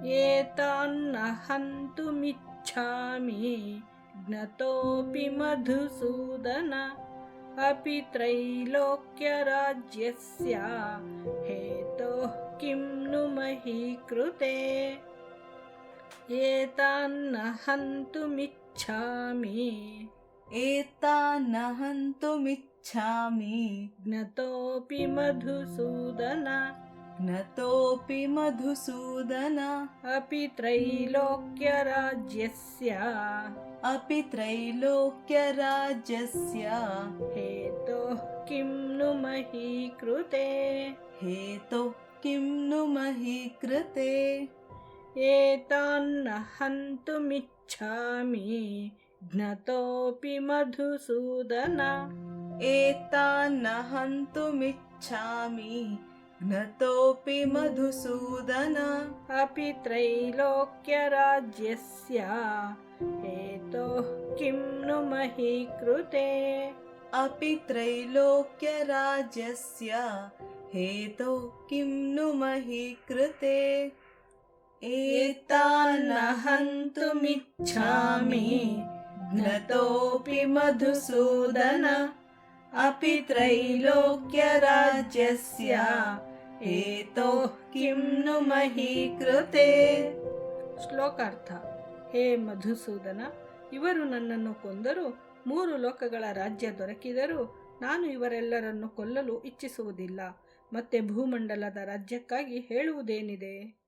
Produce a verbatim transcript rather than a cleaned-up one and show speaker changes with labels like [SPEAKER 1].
[SPEAKER 1] एतान्न हन्तुमिच्छामि ज्ञतोऽपि मधुसूदन अपि त्रैलोक्यराज्यस्य हेतोः किं नु मही कृते। एतान्न हन्तुमिच्छामि
[SPEAKER 2] एतान्न हन्तुमिच्छामि
[SPEAKER 1] ज्ञतोऽपि मधुसूदन
[SPEAKER 2] ज्ञतोऽपि मधुसूदन
[SPEAKER 1] अपि त्रैलोक्यराज्यस्य
[SPEAKER 2] अपि त्रैलोक्यराज्यस्य
[SPEAKER 1] हेतोः किं नु मही कृते।
[SPEAKER 2] हेतोः किं नु मही कृते।
[SPEAKER 1] एतान्न हन्तुमिच्छामि ज्ञतोऽपि मधुसूदन
[SPEAKER 2] एतान्न हन्तुमिच्छामि ज्ञतोऽपि मधुसूदन
[SPEAKER 1] अपि त्रैलोक्यराज्यस्य हेतोः किं नु मही कृते।
[SPEAKER 2] अपि त्रैलोक्यराज्यस्य हेतोः किं नु मही कृते। एतान्न हन्तुमिच्छामि ज्ञतोऽपि मधुसूदन अपि त्रैलोक्यराज्यस्य हेतोः किं नु मही कृते।
[SPEAKER 1] ಶ್ಲೋಕಾರ್ಥ. ಹೇ ಮಧುಸೂದನ, ಇವರು ನನ್ನನ್ನು ಕೊಂದರೂ ಮೂರು ಲೋಕಗಳ ರಾಜ್ಯ ದೊರಕಿದರೂ ನಾನು ಇವರೆಲ್ಲರನ್ನು ಕೊಲ್ಲಲು ಇಚ್ಛಿಸುವುದಿಲ್ಲ. ಮತ್ತೆ ಭೂಮಂಡಲದ ರಾಜ್ಯಕ್ಕಾಗಿ ಹೇಳುವುದೇನಿದೆ?